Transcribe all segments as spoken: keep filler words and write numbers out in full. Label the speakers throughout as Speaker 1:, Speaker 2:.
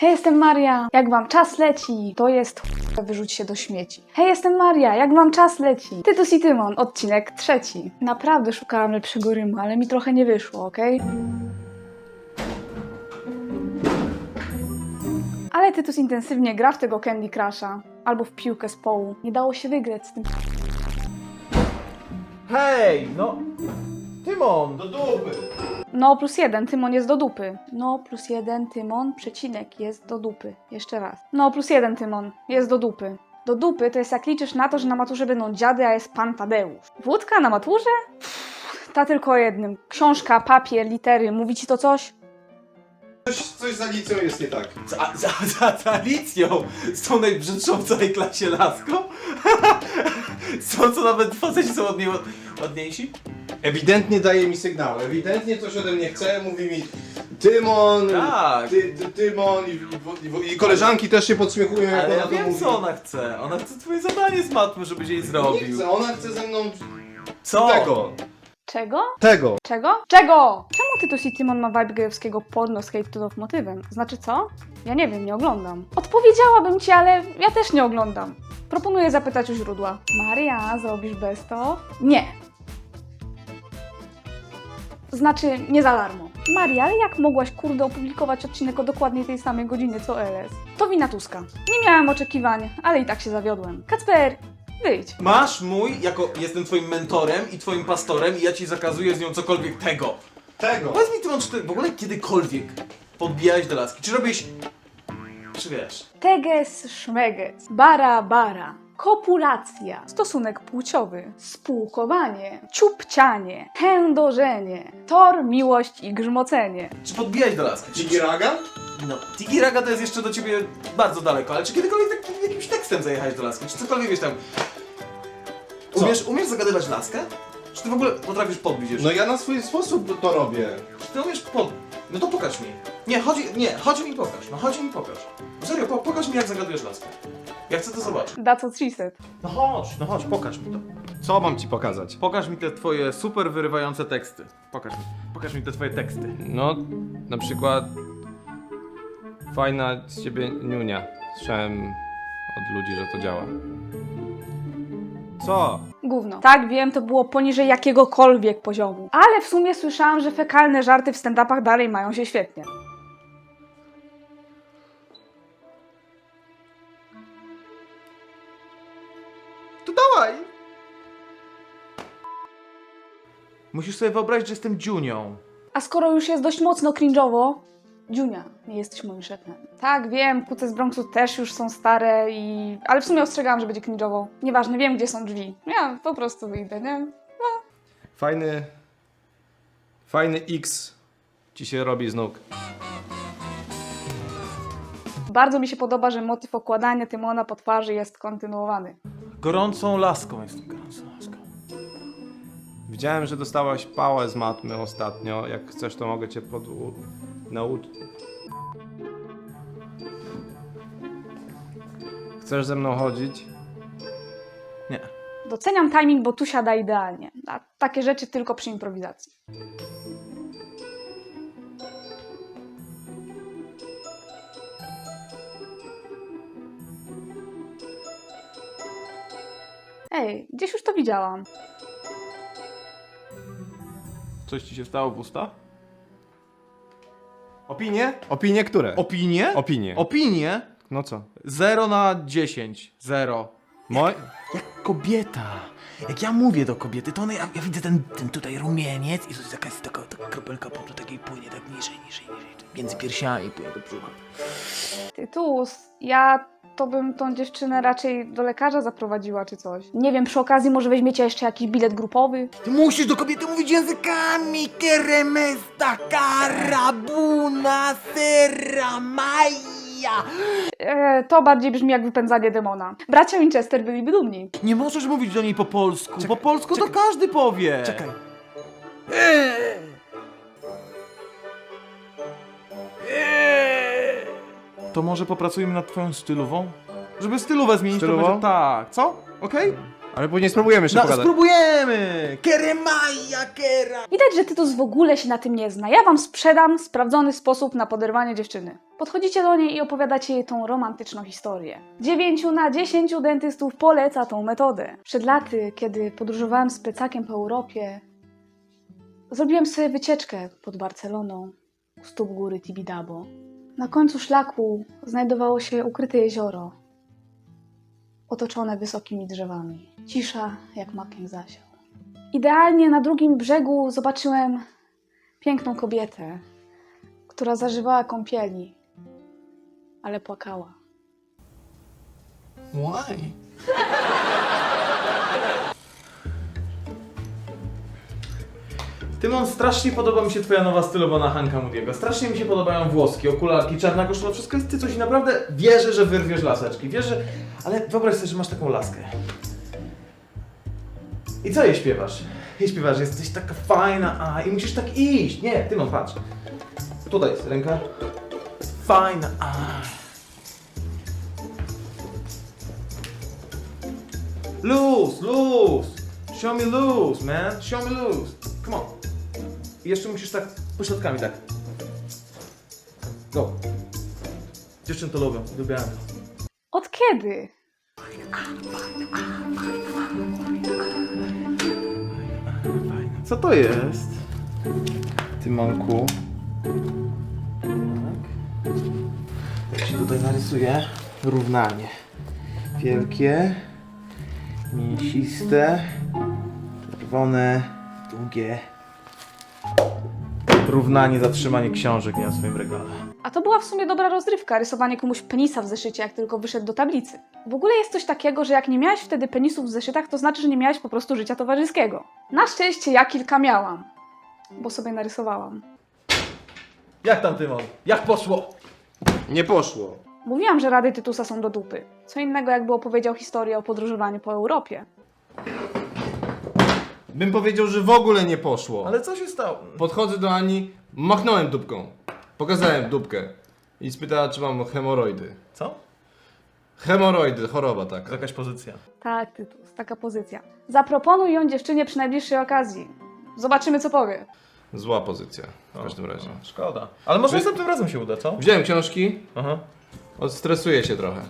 Speaker 1: Hej, jestem Maria, jak wam czas leci? To jest ch... wyrzuć się do śmieci. Hej, jestem Maria, jak wam czas leci? Tytus i Tymon, odcinek trzeci. Naprawdę szukałam lepszego rymu, ale mi trochę nie wyszło, okej? Okay? Ale Tytus intensywnie gra w tego Candy Crusha. Albo w piłkę z połu. Nie dało się wygrać z tym.
Speaker 2: Hej, no... Tymon!
Speaker 3: Do dupy!
Speaker 1: No plus jeden, Tymon jest do dupy. No plus jeden, Tymon, przecinek, jest do dupy. Jeszcze raz. No plus jeden, Tymon, jest do dupy. Do dupy to jest jak liczysz na to, że na maturze będą dziady, a jest pan Tadeusz. Wódka na maturze? Pff, ta tylko o jednym. Książka, papier, litery. Mówi ci to coś?
Speaker 3: Coś, coś z Alicją jest nie tak.
Speaker 2: Za, za, za, za Alicją! Z tą najbrzydszą w całej klasie laską? Z tą, co nawet faceci są od niej ład- ładniejsi?
Speaker 3: Ewidentnie daje mi sygnał, ewidentnie coś ode mnie chce, mówi mi Tymon,
Speaker 2: Tak.
Speaker 3: ty, ty, Tymon i, i, i, i koleżanki też się podśmiechują, jak
Speaker 2: Ale
Speaker 3: ona
Speaker 2: ja
Speaker 3: to
Speaker 2: wiem,
Speaker 3: mówi.
Speaker 2: co ona chce. Ona chce twoje zadanie z matmy, żebyś jej
Speaker 3: Nie
Speaker 2: zrobił.
Speaker 3: chce, ona chce ze mną
Speaker 2: Co?
Speaker 3: tego,
Speaker 1: Czego?
Speaker 3: tego.
Speaker 1: Czego? Czego? Czemu Tytus i Tymon ma vibe gejowskiego porno z hate to motywem? Znaczy co? Ja nie wiem, nie oglądam. Odpowiedziałabym ci, ale ja też nie oglądam. Proponuję zapytać u źródła. Maria, zrobisz bez to? Nie. Znaczy, nie za darmo. Maria, ale jak mogłaś, kurde, opublikować odcinek o dokładnie tej samej godzinie co L S? To wina Tuska. Nie miałam oczekiwań, ale i tak się zawiodłem. Kacper, wyjdź.
Speaker 2: Masz mój, jako jestem twoim mentorem i twoim pastorem i ja ci zakazuję z nią cokolwiek tego.
Speaker 3: Tego.
Speaker 2: Powiedz mi, Tymon, czy ty w ogóle kiedykolwiek podbijałeś do laski? Czy robisz... Czy wiesz?
Speaker 1: Teges, szmeges, bara, bara, kopulacja, stosunek płciowy, spółkowanie, ciupcianie, chędożenie, tor, miłość i grzmocenie.
Speaker 2: Czy podbijałeś do laski? Czy,
Speaker 3: Dziki raga?
Speaker 2: No, Tiki Raga to jest jeszcze do ciebie bardzo daleko, ale czy kiedykolwiek tak, jakimś tekstem zajechałeś do laski? Czy cokolwiek wiesz tam...
Speaker 3: Co?
Speaker 2: Umiesz, umiesz zagadywać laskę? Czy ty w ogóle potrafisz podbić jeszcze?
Speaker 3: No ja na swój sposób to robię.
Speaker 2: Czy ty umiesz pod... No to pokaż mi. Nie, chodzi, nie, chodź mi pokaż, no chodź mi pokaż. Serio, po, pokaż mi jak zagadujesz laskę. Ja chcę to zobaczyć.
Speaker 1: That's what she said.
Speaker 2: No chodź, no chodź, pokaż mi to.
Speaker 3: Co mam ci pokazać?
Speaker 2: Pokaż mi te twoje super wyrywające teksty. Pokaż mi, pokaż mi te twoje teksty.
Speaker 4: No, na przykład fajna z ciebie niunia. Słyszałem od ludzi, że to działa. Co?
Speaker 1: Gówno. Tak, wiem, to było poniżej jakiegokolwiek poziomu. Ale w sumie słyszałam, że fekalne żarty w stand-upach dalej mają się świetnie.
Speaker 2: To dawaj! Musisz sobie wyobrazić, że jestem dziunią.
Speaker 1: A skoro już jest dość mocno cringe'owo, Dziunia, nie jesteś moim szefem. Tak, wiem, kuce z Bronxu też już są stare i... Ale w sumie ostrzegałam, że będzie cringe'owo. Nieważne, wiem, gdzie są drzwi. Ja po prostu wyjdę, nie?
Speaker 4: Fajny... Fajny X ci się robi z nóg.
Speaker 1: Bardzo mi się podoba, że motyw okładania Tymona po twarzy jest kontynuowany.
Speaker 2: Gorącą laską jestem, gorącą laską.
Speaker 4: Widziałem, że dostałaś pałę z matmy ostatnio. Jak chcesz, to mogę cię pod... nauczyć. Chcesz ze mną chodzić?
Speaker 2: Nie.
Speaker 1: Doceniam timing, bo tu siada idealnie. A takie rzeczy tylko przy improwizacji. Ej, gdzieś już to widziałam.
Speaker 2: Coś ci się stało w usta?
Speaker 4: Opinie? Opinie które?
Speaker 2: Opinie?
Speaker 4: Opinie.
Speaker 2: Opinie?
Speaker 4: No co?
Speaker 2: zero na dziesięć. zero.
Speaker 4: Moj...
Speaker 5: Jak kobieta. Jak ja mówię do kobiety, to ona, ja, ja widzę ten, ten tutaj rumieniec i to jest jakaś taka, taka kropelka potu takiej płynie tak niżej, niżej, niżej. Między piersiami płynie do brzucha.
Speaker 1: Tytus, ja to bym tą dziewczynę raczej do lekarza zaprowadziła czy coś. Nie wiem, przy okazji może weźmiecie jeszcze jakiś bilet grupowy?
Speaker 5: Ty musisz do kobiety mówić językami. Keremesta, karabuna, sera, maja.
Speaker 1: E, to bardziej brzmi jak wypędzanie demona. Bracia Winchester byliby dumni.
Speaker 2: Nie możesz mówić do niej po polsku. po polsku to każdy powie.
Speaker 5: Czekaj.
Speaker 2: To może popracujemy nad twoją stylową? Żeby stylówę zmienić,
Speaker 4: Stylową?
Speaker 2: to będzie tak. Co? Okej?
Speaker 4: Ale później spróbujemy jeszcze
Speaker 5: No,
Speaker 4: pogadać.
Speaker 5: spróbujemy! Keremaja, kera!
Speaker 1: Widać, że Tytus w ogóle się na tym nie zna. Ja wam sprzedam sprawdzony sposób na poderwanie dziewczyny. Podchodzicie do niej i opowiadacie jej tą romantyczną historię. Dziewięciu na dziesięciu dentystów poleca tą metodę. Przed laty, kiedy podróżowałem z plecakiem po Europie, zrobiłem sobie wycieczkę pod Barceloną, u stóp góry Tibidabo. Na końcu szlaku znajdowało się ukryte jezioro, otoczone wysokimi drzewami. Cisza jak makiem zasiał. Idealnie na drugim brzegu zobaczyłem piękną kobietę, która zażywała kąpieli, ale płakała.
Speaker 5: Why?
Speaker 2: Tymon, strasznie podoba mi się twoja nowa stylowana Hanka Moody'ego. Strasznie mi się podobają włoski, okularki, czarna koszula, wszystko jest ty coś i naprawdę wierzę, że wyrwiesz laseczki. Wierzę, ale wyobraź sobie, że masz taką laskę. I co jej śpiewasz? Jej śpiewasz, że jesteś taka fajna, a i musisz tak iść. Nie, Tymon, patrz. Tutaj jest ręka. Fajna, a. Luz, luz. Show me luz, man. Show me luz. Come on. I jeszcze musisz tak pośrodkami, tak. Go. Dziewczyny to lubią, lubiałem to.
Speaker 1: Od kiedy?
Speaker 2: Co to jest? Tymonku. Tak. Ja ci tutaj narysuję równanie. Wielkie, mięsiste, czerwone, długie. Równanie, zatrzymanie książek na swoim regale.
Speaker 1: A to była w sumie dobra rozrywka, rysowanie komuś penisa w zeszycie, jak tylko wyszedł do tablicy. W ogóle jest coś takiego, że jak nie miałeś wtedy penisów w zeszytach, to znaczy, że nie miałeś po prostu życia towarzyskiego. Na szczęście ja kilka miałam, bo sobie narysowałam.
Speaker 2: Jak tam, Tymon? Jak poszło?
Speaker 4: Nie poszło.
Speaker 1: Mówiłam, że rady Tytusa są do dupy. Co innego, jakby opowiedział historię o podróżowaniu po Europie.
Speaker 4: Bym powiedział, że w ogóle nie poszło.
Speaker 2: Ale co się stało?
Speaker 4: Podchodzę do Ani, machnąłem dupką. Pokazałem dupkę. I spytała, czy mam hemoroidy.
Speaker 2: Co?
Speaker 4: Hemoroidy, choroba taka.
Speaker 2: To jakaś pozycja.
Speaker 1: Tak, Tytus, taka pozycja. Zaproponuj ją dziewczynie przy najbliższej okazji. Zobaczymy, co powie.
Speaker 4: Zła pozycja, w każdym razie.
Speaker 2: O, szkoda. Ale może
Speaker 4: Wy-
Speaker 2: następnym razem się uda, co?
Speaker 4: Wziąłem książki,
Speaker 2: Aha.
Speaker 4: odstresuję się trochę.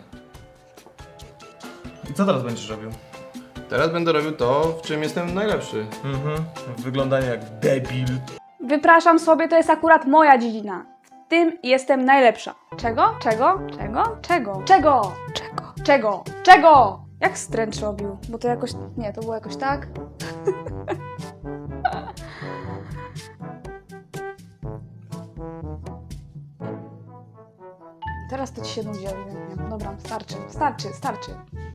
Speaker 2: I co teraz będziesz robił?
Speaker 4: Teraz będę robił to, w czym jestem najlepszy.
Speaker 2: Mhm. Wyglądanie jak debil.
Speaker 1: Wypraszam sobie, to jest akurat moja dziedzina. W tym jestem najlepsza. Czego? Czego? Czego? Czego? Czego? Czego? Czego? Czego? Jak Stręcz robił? Bo to jakoś... Nie, to było jakoś tak. Teraz to ci się nudzi ewidentnie. Dobra, starczy, starczy, starczy.